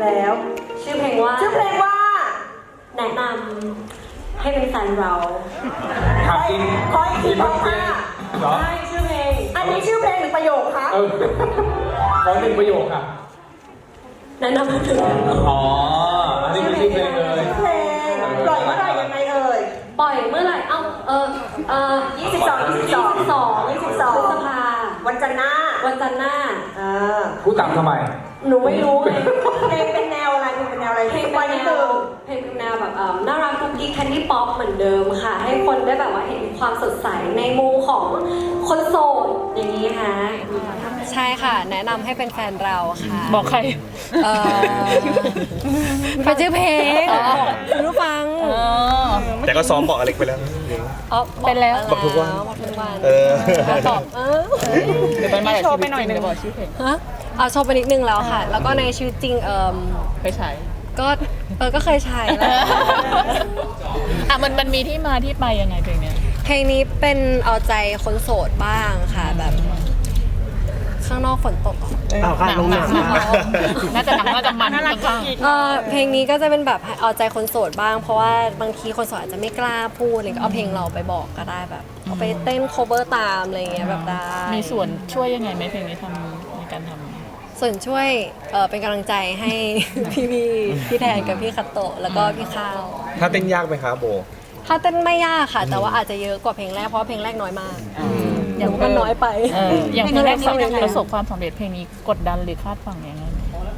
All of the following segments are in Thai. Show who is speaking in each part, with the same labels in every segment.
Speaker 1: แล้ว
Speaker 2: ชื่อเพลงว่าแนะนำให้เป็นแฟนเรา
Speaker 3: ถามจริง
Speaker 1: ขออีกทีบอกค่ะ
Speaker 3: เหรอ
Speaker 2: ใช่ชื่อเพลง
Speaker 1: อันนี้ชื่อเพลงหรือประโยคคะ
Speaker 3: ขอหนึ่งประโยคค่ะ
Speaker 2: แนะนำให้ถึง
Speaker 3: อ๋อ อันนี้คือชื่อเพลงเลย
Speaker 1: เพลงปล่อยเมื่อไหร่ยังไงเอ่ย
Speaker 2: ปล่อยเมื่อไหร่22 พฤษภา
Speaker 1: วันจันทร์หน้า
Speaker 2: วันจันทร์หน้า
Speaker 3: พูดตามทำไม
Speaker 2: หนูไม่รู้ไง
Speaker 1: เพลงเป็นแนวอะไรเป็นแนวอะไร
Speaker 2: เพลง
Speaker 1: วั
Speaker 2: เป็น น
Speaker 1: นี้
Speaker 2: แน
Speaker 1: คือ
Speaker 2: วเพลงเป็นแนวแบบน่ารักกุ๊กกิ๊กแคนดี้ป๊อปเหมือนเดิมค่ะ ให้คนได้แบบว่าเห็นความสดใสในมุมของคนโสดอย่างนี้ค่ะใช่ค่ะ แนะนำให้เป็นแฟนเราค่ะ
Speaker 4: บอกใคร
Speaker 2: เป็นชื่อเพลงคุณผู้ฟัง
Speaker 5: แต่ก็ซ้อมบอกอเล็กไปแล้ว
Speaker 4: เป็นแล้ว
Speaker 5: บอกทุกวัน
Speaker 2: บอกทุกวัน
Speaker 5: ตอบ
Speaker 4: เดี๋ยวไปมาโชว์ไปหน่อยนึงบอกชื่อเพลง
Speaker 2: ฮะเอาโชว์ไปนิดนึงแล้วค่ะ แล้วก็ในชีวิตจริง
Speaker 4: เคยใช้
Speaker 2: ก็เคยใช้แล้ว
Speaker 4: มันมีที่มาที่ไปยังไงเพลงเนี้ย
Speaker 2: เพลงนี้เป็นเอาใจคนโสดบ้างค่ะแบบข้างนอกฝนตก
Speaker 4: หนังน่าจะมันข้าง
Speaker 2: เพลงนี้ก็จะเป็นแบบเอาใจคนโสดบ้าง เพราะว่าบางทีคนโสดอาจจะไม่กล้าพูดอะไรก็เอาเพลงเราไปบอกก็ได้แบบเอาไปเต้น cover ตามอะไรอย่างเงี้ยแบบได้
Speaker 4: มีส่วนช่วยยังไงไหมเพลงนี้ทำในการทำ
Speaker 2: ส่วนช่วยเป็นกำลังใจให้ พี่แทนกับพี่คัตโตะแล้วก็พี่ข้าว
Speaker 5: ถ้าเต้นยากไหมคะโบ
Speaker 2: ถ้าเต้นไม่ยากค่ะ แต่ว่าอาจจะเยอะกว่าเพลงแรกเพราะเพลงแรกน้อยมากอย่างมันน้อยไป
Speaker 4: อย่างเพลงแรกประสบความสำเร็จเพลงนี้กดดันหรือคาดหวังยังไง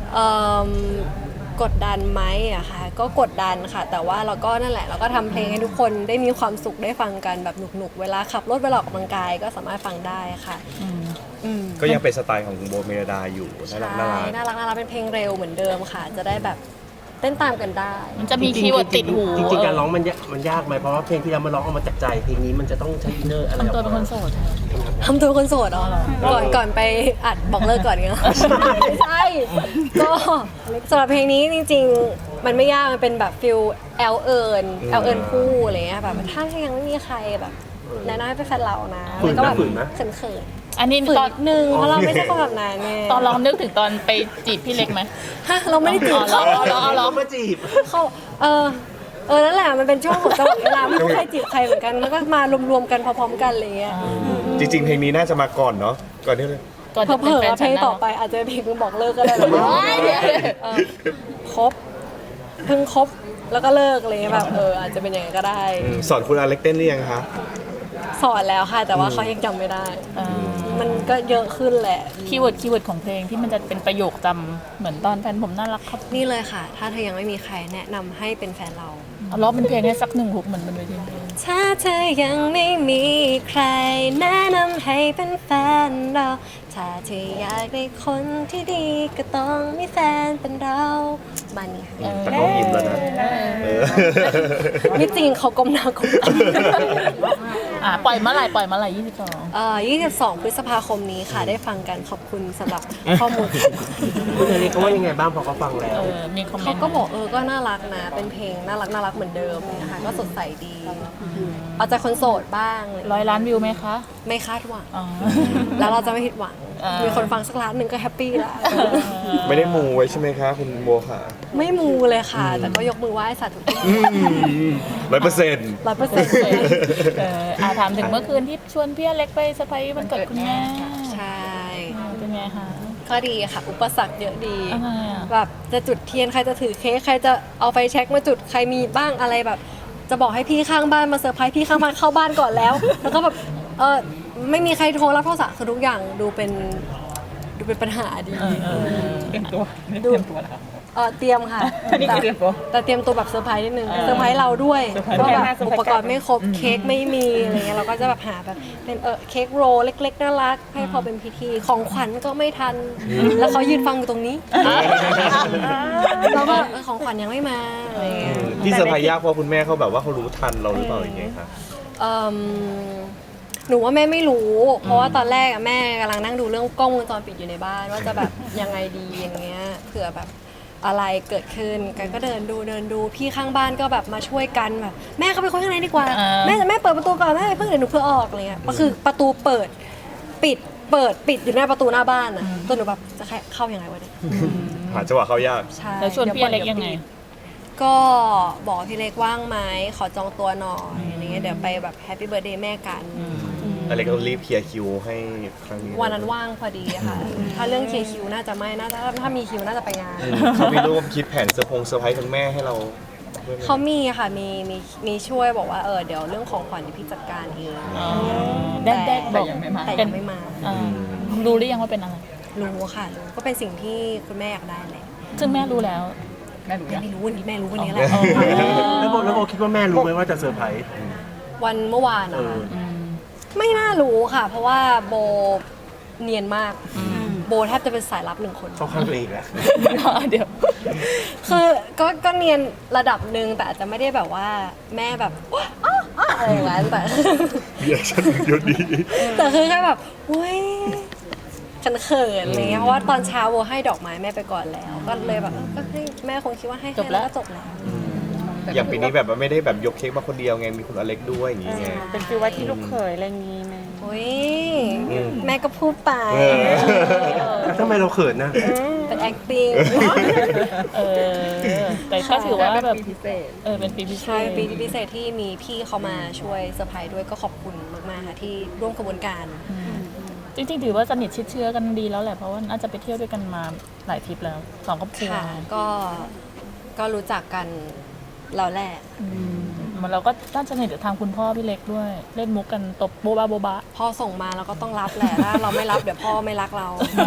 Speaker 2: กดดันไหมอะค่ะก็กดดันค่ะ แต่ว่าเราก็นั่นแหละเราก็ทำเพลงให้ทุกคนได้มีความสุขได้ฟังกันแบบหนุกๆเวลาขับรถเวลาออกกำลังกายก็สามารถฟังได้ค่ะ
Speaker 5: ก็ยังเป็นสไตล์ของคุณโบเมลดาอยู่น่ารักน่ารัก
Speaker 2: น่ารักเป็นเพลงเร็วเหมือนเดิมค่ะ จะได้แบบเต้นตามกันได้
Speaker 4: มันจะมีคีย์เวิร์ดติดหู
Speaker 6: จริงๆการร้องมันยากไหมเพราะว่าเพลงที่เรามาร้องออกมาจากใจเพลงนี้มันจะต้องใช้อินเนอร์อะไร
Speaker 4: ทำตัวเป็นคนโสด
Speaker 2: ทำตัวคนโสดอ๋อก่อนไปอัดบอกเลิกก่อนเงี้ยไม่ใช่ก็สำหรับเพลงนี้จริงๆมันไม่ยากมันเป็นแบบฟิลแอลเอิญคู่อะไรเงี้ยแบบถ้ายังไม่มีใครแบบแนะนำให้เป็นแฟนเรานะแล้วก็แบบเขิน
Speaker 4: อันนี้
Speaker 2: ฝืน
Speaker 4: ตอน
Speaker 2: นิดนึงเพราะเราไม่ใช่คนแบบนั้นไง
Speaker 4: ตอนลองนึกถึงตอนไปจีบพี่เล็กไหม
Speaker 2: ฮะเราไม่ได้จีบเขา
Speaker 6: ร้องมาจีบ
Speaker 2: เขานั่นแหละมันเป็นช่วงของจังหวะเวลาไม่มีใครจีบใครเหมือนกันมันก็มารวมๆกันพร้อมๆกันอะไรเงี้ย
Speaker 5: จริงๆ เพลงนี้น่าจะมาก่อนเนาะ ก่อนที่เลย
Speaker 4: ก่อน
Speaker 2: เผ
Speaker 4: จะ
Speaker 2: ล
Speaker 4: เป็น
Speaker 2: อ
Speaker 4: แฟน
Speaker 2: ๆเพลงต่อไปอาจจะเป็นเพลงบอกเลิกก็ได้แล้วครบเพิ่งครบแล้วก็เลิกอะไรเงี้ยแบบอาจจะเป็นอย่างนั้นก็ได้
Speaker 5: สอนคุณอเล็กเต้นหรือยังคะ
Speaker 2: สอนแล้วค่ะ แต่ว่าเขายังจำไม่ได้ มันก็เยอะขึ้นแหละ
Speaker 4: คีย์เวิร์ดของเพลงที่มันจะเป็นประโยคจำเหมือนตอนแฟนผมน่ารักครับ
Speaker 2: นี่เลยค่ะ ถ้าเธอยังไม่มีใครแนะนำให้เป็นแฟนเรา
Speaker 4: เอาร้องเป็นเพลงให้สักหนึ่งฮุกเหมือนบนเวที
Speaker 2: ถ้าเธอยังไม่มีใครแนะนำให้เป็นแฟนเราถ้าเธออยากได้คนที่ดีก็ต้องมีแฟนเป็นเราบ้านนี้ค่ะ
Speaker 5: แต่ก็ยิ้มแล้วนะ
Speaker 2: ที่จริงเขาก้มหน้าก้มตา
Speaker 4: ปล่อยเมื่อไหร่
Speaker 2: 22 พฤษภาคมนี้ค่ะได้ฟังกันขอบคุณสำหรับข้อมูล
Speaker 6: คุณอเล็กเขาว่ายังไงบ้างพอเขาฟังแล้ว
Speaker 4: มีคอมเมนต์
Speaker 2: เขาก็บอกก็น่ารักนะเป็นเพลงน่ารักเหมือนเดิมนะคะก็สดใสดีเอาใจคนโสดบ้าง
Speaker 4: 100 ล้านวิวไหมคะ
Speaker 2: ไม่คาดหวัง
Speaker 4: อ๋อ
Speaker 2: แล้วเราจะไม่ผิดหวังมีคนฟังสักล้านหนึ่งก็แฮปปี้แล้ว
Speaker 5: ไม่ได้มูไว้ใช่ไหมคะคุณโบค่ะ
Speaker 2: ไม่มูเลยค่ะ แต่ก็ยกมือไหว้สาธุ
Speaker 5: 100%
Speaker 4: ถามถึงเมื่อคืนที่ชวนพี่อเล็กไปเซอร์ไพรส์วันเกิดคุณแม่
Speaker 2: ใช่
Speaker 4: เป็นไงคะ
Speaker 2: ก็ดีค่ะ อุปสรรคเยอะดี
Speaker 4: อะไรอ่ะ
Speaker 2: แบบจะจุดเทียนใครจะถือเค้กใครจะเอาไฟแช็กมาจุดใครมีบ้างอะไรแบบ จะบอกให้พี่ข้างบ้านมาเซอร์ไพรส์พี่ข้างบ้านเข้าบ้านก่อนแล้ว แล้วก็แบบไม่มีใครโทรรับโทรศัพท์คือทุกอย่างดูเป็นปัญหาดี
Speaker 4: เตรียมตัวเตรียมตัวแล้ว
Speaker 2: เตรียมค่ะ
Speaker 4: นี่คือเตรียมตัว
Speaker 2: แต่เตรียมตัวแบบเซอร์ไพรส์นิดนึงเซอร์ไพรส์เราด้วยว่าแบบอุปกรณ์ไม่ครบเค้กไม่มีอะไรเงี้ยเราก็จะแบบหาแบบเป็นเค้กโรลเล็กๆน่ารักให้พอเป็นพิธีของขวัญก็ไม่ทันแล้วเขายืนฟังอยู่ตรงนี้เราก็ของขวัญยังไม่มาอะไรเงี้ย
Speaker 5: ที่เซอร์ไพรส์ยากเพราะคุณแม่เขาแบบว่าเขารู้ทันเราหรือเปล่าอย่างเงี้ยคะ
Speaker 2: หนูว่าแม่ไม่รู้ เพราะว่าตอนแรกแม่กำลังนั่งดูเรื่องกล้องวงจรปิดอยู่ในบ้านว่าจะแบบยังไงดีอย่างเงี้ยเผื่อแบบอะไรเกิดขึ้นกันก็เดินดูพี่ข้างบ้านก็แบบมาช่วยกันแบบแม่เข้าไปคุยข้างในดีกว่าแม่เปิดประตูก่อนแม่เพิ่งเดี๋ยวหนูเพื่อออกอะไรเงี้ยก็คือประตูเปิดปิดอยู่หน้าประตูหน้าบ้านอ่ะจนหนูแบบจะเข้ายังไงวะเนี่ย
Speaker 5: หาจังหวะเข้ายาก
Speaker 2: ใช่
Speaker 4: แล้วชวนพี่อเล็กยังไง
Speaker 2: ก็บอกพี่เล็กว่างไหมขอจองตัวหน่อยอะไรเงี้ยเดี๋ยวไปแบบแฮปปี้เบิร์ดเดย์แม่กัน
Speaker 5: อะไรก็รีบเคลียร์คิวให้ครั้งนี้
Speaker 2: วันนั้นว่างพอดีค่ะ ถ้าเรื่องเคลียร์คิวน่าจะไม่น่าจะถ้ามีคิวน่าจะไปงาน
Speaker 5: เขามีร่วมคิดแผนเซอร์ไพรส์คุณแม่ให้เราด้วยไหม
Speaker 2: เขามีค่ะมีช่วยบอกว่าเดี๋ยวเรื่องของขวัญเดี๋ยวพี่จัดการเอง
Speaker 4: ได้บอก
Speaker 2: แต่ยังไม่มา
Speaker 4: รู้หรือยังว่าเป็นอะไร
Speaker 2: รู้ค่ะรู้ก็เป็นสิ่งที่คุณแม่อยากได้แหละ
Speaker 4: ซึ่งแม่รู้แล้ว
Speaker 2: แม่ไม่รู้วันนี้แม่รู้วันนี้แหละ
Speaker 6: แล้วโบคิดว่าแม่รู้ไหมว่าจะเซอร์ไพรส์
Speaker 2: วันเมื่อวานนะคะไม่น่ารู้ค่ะ เพราะว่าโบเนียนมากโบแทบจะเป็นสายลับหนึ่งคน
Speaker 6: เข้าข้างตัวเองแล้ว
Speaker 4: เดี๋ยว
Speaker 2: คือก็เนียนระดับหนึ่งแต่อาจจะไม่ได้แบบว่าแม่แบบอ้ออะไรอย่างนั้นแต่
Speaker 5: รีแอคชั่นเยอะดี
Speaker 2: แต่คือแค่แบบอุ้ยเขินๆอะไรเงี้ยเพราะว่าตอนเช้าโบให้ดอกไม้แม่ไปก่อนแล้ว ก็เลยแบบก็ให้แม่คงคิดว่าให้
Speaker 4: จบแล้ว
Speaker 2: ก็จบแล้ว
Speaker 5: อย่างปีนี้แบบว่าไม่ได้แบบยกเค้กมาคนเดียวไงมีคุณอเล็กด้วยอย่างงี้ไง
Speaker 7: เป็นฟีลว่าที่ลูกเขยอะไรอย่างงี้ไหม
Speaker 2: อุ้ยแม่ก็พูดไป
Speaker 6: แล้วทำไมเราเขินนะ
Speaker 2: เป็น acting
Speaker 4: แต่ก็ถือว่าแบบเป็นปีพิเศ
Speaker 2: ใช่
Speaker 4: ษ
Speaker 2: ปีพิเศษที่มีพี่เขามาช่วยเซอร์ไพรส์ด้วยก็ขอบคุณมากๆค่ะที่ร่วมกระบวนการ
Speaker 4: จริงๆถือว่าสนิทชิดเชื้อกันดีแล้วแหละเพราะว่าน่าจะไปเที่ยวด้วยกันมาหลายทริปแล้วสองครอบครัว
Speaker 2: ค่ะก็รู้จักกันแล้วแหละ
Speaker 4: มันเราก็น่าจะสนิทกับทางคุณพ่อพี่เล็กด้วย เล่นมุกกันตบโบ๊ะบ้า
Speaker 2: พ่อส่งมาเราก็ต้องรับแหละถ้าเราไม่รับเดี๋ยวพ่อไม่รักเรา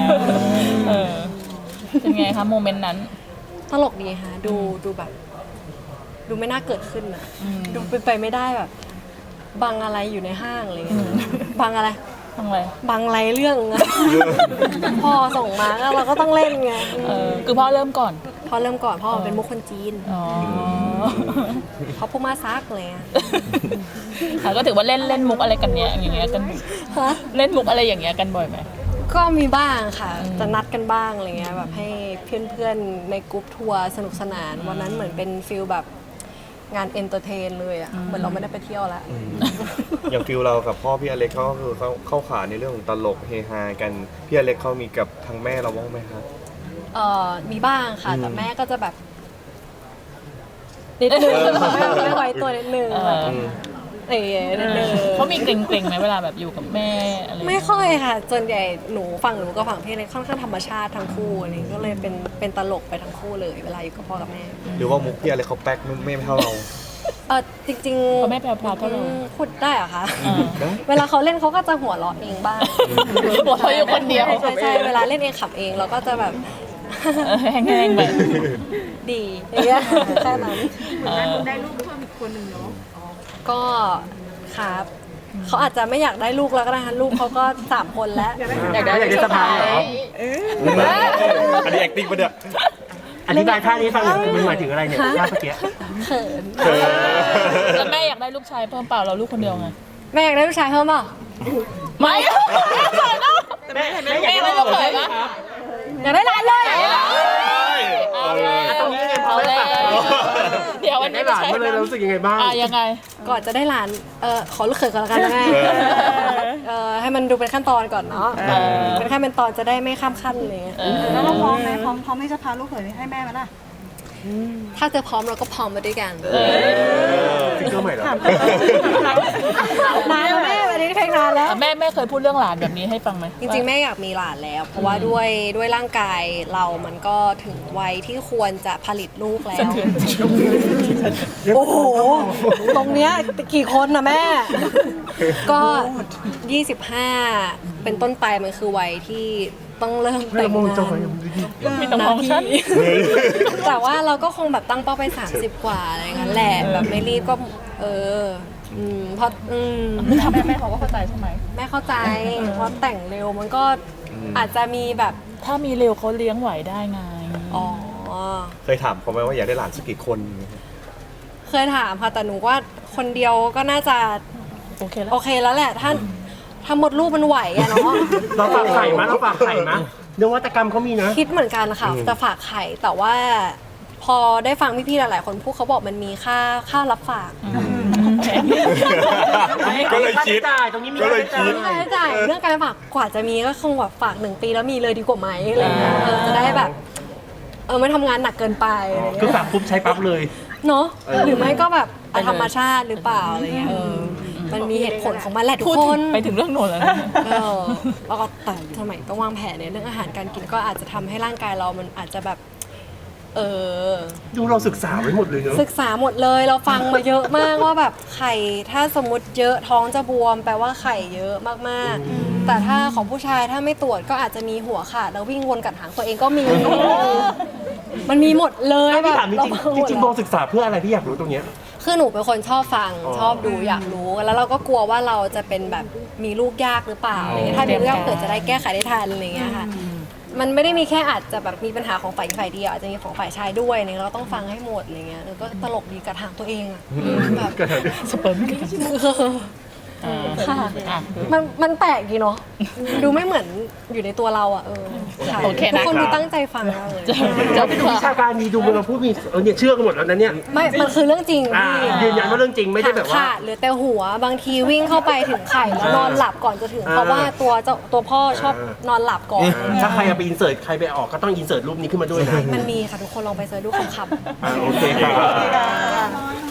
Speaker 4: เป็นไงคะโมเมนต์นั้น
Speaker 2: ตลกดีค่ะดูแบบ ดูไม่น่าเกิดขึ้นอะดูเป็นไปไม่ได้แบบบังอะไรอยู่ในห้างอะไรเงี้ยบังอะไร
Speaker 4: ทำไง
Speaker 2: บังอะไรเรื่องอะ พ่อส่งมาก็เราก็ต้องเล่นไง
Speaker 4: คือพ่อเริ่มก่อน
Speaker 2: พ่อเริ่มก่อนพ่อเป็นมุกคนจีน
Speaker 4: อ๋อ
Speaker 2: เขาพูดมาซักเลยอะ
Speaker 4: ค่ะก็ถือว่าเล่นมุกอะไรกันเนี้ยอย่างเงี้ยกัน
Speaker 2: ฮะ
Speaker 4: เล่นมุกอะไรอย่างเงี้ยกันบ่อยไหม
Speaker 2: ก็มีบ้างค่ะ จะนัดกันบ้างอะไรเงี้ยแบบให้เพื่อนๆในกรุ๊ปทัวร์สนุกสนานวันนั้นเหมือนเป็นฟิลแบบงานเอนเตอร์เทนเลยอ่ะเหมือนเราไม่ได้ไปเที่ยวแล้ว
Speaker 5: อย่างฟิลเรากับพ่อพี่อเล็กเขาก็คือเขาเข้าขาในเรื่องของตลกเฮฮากันพี่อเล็กเขามีกับทางแม่เราบ้างไหมครับ
Speaker 2: มีบ้างค่ะ แต่แม่ก็จะแบบนิดนึงไม่ไว้ตัวนิดนึงนิดนึง
Speaker 4: เขามีเกรงๆไหมเวลาแบบอยู่กับแม่อะไร
Speaker 2: ไม่ค่อยค่ะส่วนใหญ่หนูกับฝั่งพี่เลยค่อนข้างธรรมชาติทั้งคู่อะไรก็เลยเป็นตลกไปทั้งคู่เลยเวลาอยู่กับพ่อกับแม่
Speaker 5: หรือว่ามุกพี่อเล็กเขาแป๊กไม่เท่าเรา
Speaker 2: จริงๆ
Speaker 4: เขาไม่แปลพราวเท่าเรา
Speaker 2: พูดได้เหรอคะเวลาเขาเล่นเขาก็จะหัวเราะเองบ้าง
Speaker 4: หัวเราะอยู่คนเดียว
Speaker 2: ใช่เวลาเล่นเองขับเองเราก็จะแบบ
Speaker 4: แห้งๆแบบ
Speaker 2: ดีอย่างเงี้ยแค่นั้น
Speaker 7: ได้ลูกเพิ่มอีกคนหนึ่งเนาะ
Speaker 2: ก็ครับเขาอาจจะไม่อยากได้ลูกแล้วก็ได้ค่ะลูกเขาก็3 คนแล้ว
Speaker 6: อยากได้สะพายเหรอ
Speaker 5: อันนี้ acting ปะเนี่ย
Speaker 6: อธิบายท่านี้ฟังหน่อยมันหมายถึงอะไรเนี่ยท่าเมื่อกี้
Speaker 2: เขิน
Speaker 4: แล้วแม่อยากได้ลูกชายเพิ่มเปล่าเราลูกคนเดียวไง
Speaker 2: แม่อยากได้ลูกชายเพิ่มเปล่า
Speaker 4: ไม่แม่อยากได้ลูกเขยปะ
Speaker 2: อยากได้หลานเลย
Speaker 4: เอาเลย
Speaker 6: ตรงนี้ไงพอ
Speaker 4: เอา
Speaker 6: แล้
Speaker 4: เล
Speaker 6: วย
Speaker 4: เดี๋ยววัน
Speaker 6: ได้
Speaker 4: นี้
Speaker 6: หลานมาเลยเรารู้สึกยังไงบ้าง
Speaker 4: ยังไง
Speaker 2: ก่อนจะได้หลานขอลูกเขยก่อนละกันนะแม่ให้มันดูเป็นขั้นตอนก่อนเนาะเป็นขั้นเป็นตอนจะได้ไม่ข้ามขั้นเลย
Speaker 7: แล้วเราพร้อมไหมพร้อมที่จะพาลูกเขยให้แม่ไหมล่ะ
Speaker 2: ถ้าเธอพร้อมเราก็พร้อมมาด้วยกัน
Speaker 6: ซิงเกิลใหม่เหรอ
Speaker 2: นานแล้วแม่วันนี้เพลงนานแล้ว
Speaker 4: แม่เคยพูดเรื่องหลานแบบนี้ให้ฟังไหม
Speaker 2: จริงๆแม่อยากมีหลานแล้ว เพราะว่าด้วยร่างกายเรามันก็ถึงวัยที่ควรจะผลิตลูกแล้ว โอ้โห ตรงเนี้ยกี่คนนะแม่ ก็ 25 เป็นต้นไปมันคือวัยที่ต้องเริ่มแต่งงาน
Speaker 4: ไม่ต้องมองฉัน
Speaker 2: แต่ว่าเราก็คงแบบตั้งเป้าไป 30 กว่าอะไรอย่างนั้นแหละ แบบไม่รีบก็เพราะ
Speaker 4: แม่เขาก็เข้าใจใช่ไหม
Speaker 2: แม่เข้าใจ เพราะแต่งเร็วมันก็อาจจะมีแบบ
Speaker 4: ถ้ามีเร็วเขาเลี้ยงไหวได้ไง
Speaker 2: อ๋อ
Speaker 5: เคยถามเขาไหมว่าอยากได้หลานสักกี่คน
Speaker 2: เคยถามค่ะแต่หนูว่าคนเดียวก็น่าจะ
Speaker 4: โอเคแล้ว
Speaker 2: โอเคแล้วแหละถ้ามดลูกมันไหวอะเนาะ
Speaker 6: เราฝากไข่มั้ยนวัตกรรมเขามีนะ
Speaker 2: คิดเหมือนกันค่ะจะฝากไข่แต่ว่าพอได้ฟังพี่ๆหลายๆคนพูดเขาบอกมันมีค่ารับฝาก
Speaker 5: ก็เลยคิด
Speaker 6: ตรงนี้มี
Speaker 5: ก็เลยคิด
Speaker 2: ค่าใช้จ่ายเรื่องการฝากกว่าจะมีก็คงแบบฝาก1 ปีแล้วมีเลยดีกว่าไหมอะไรเงี้ยจะได้แบบไม่ทำงานหนักเกินไป
Speaker 6: คือฝากปุ๊บใช้ปั๊บเลย
Speaker 2: เนาะหรือไม่ก็แบบธรรมชาติหรือเปล่าอะไรเงี้ยมันมีเหตุผลของมันแหละทุก
Speaker 4: พูด
Speaker 2: คน
Speaker 4: ไปถึงเรื่องโน้นแล้วนะ
Speaker 2: แล้วก็แต่สมัยต้องวางแผนในเรื่องอาหารการกินก็อาจจะทำให้ร่างกายเรามันอาจจะแบบ
Speaker 6: ดูเราศึกษาไว้หมดเลยเนอะ
Speaker 2: ศึกษาหมดเลยเราฟังมาเยอะมากว่าแบบไข่ถ้าสมมติเยอะท้องจะบวมแปลว่าไข่เยอะมากๆแต่ถ้าของผู้ชายถ้าไม่ตรวจก็อาจจะมีหัวขาดแล้ววิ่งวนกัดหางตัวเองก็มี มันมีหมดเลย
Speaker 6: พี่
Speaker 2: แบบ
Speaker 6: ถามจริงๆโบศึกษาเพื่ออะไรพี่อยากรู้ตรงเนี้ย
Speaker 2: คือหนูเป็นคนชอบฟังชอบดูอยากรู้แล้วเราก็กลัวว่าเราจะเป็นแบบมีลูกยากหรือเปล่าอะไรเงี้ยถ้ามีลูกยากเกิดจะได้แก้ไขได้ทันอะไรเงี้ยค่ะมันไม่ได้มีแค่อาจจะแบบมีปัญหาของฝ่ายเดียวอาจจะมีของฝ่ายชายด้วยเนี่ยเราต้องฟังให้หมดอะไรเงี้ยก็ตลกดีกับทางตัวเองอะแบบ
Speaker 4: สเปิร์มกัน
Speaker 2: ค่ะมันแปลกดีเนาะดูไม่เหมือนอยู่ในตัวเราอ่ะค่ะ
Speaker 4: โอเค
Speaker 2: ทุก
Speaker 4: นะ
Speaker 2: คนดูตั้งใจฟังมากเลย
Speaker 6: เราไปดูวิชาการมีดูเราพูดมีเนี่ยเชื่อกันหมดแล้วนะเนี่ย
Speaker 2: ไม่มันคือเรื่องจริง
Speaker 6: ยืนยันว่าเรื่องจริงไม่ได้แบบว่า
Speaker 2: ขาดหรือแต่หัวบางทีวิ่งเข้าไปถึงไข่แล้วนอนหลับก่อนจะถึงเพราะว่าตัวพ่อชอบนอนหลับก่อน
Speaker 6: ถ้าใครเอาไปอินเสิร์ตใครไปออกก็ต้องอินเสิร์ตรูปนี้ขึ้นมาด้วยนะ
Speaker 2: มันมีค่ะทุกคนลองไปเสิร์ชดูคำ
Speaker 6: โอเคครับ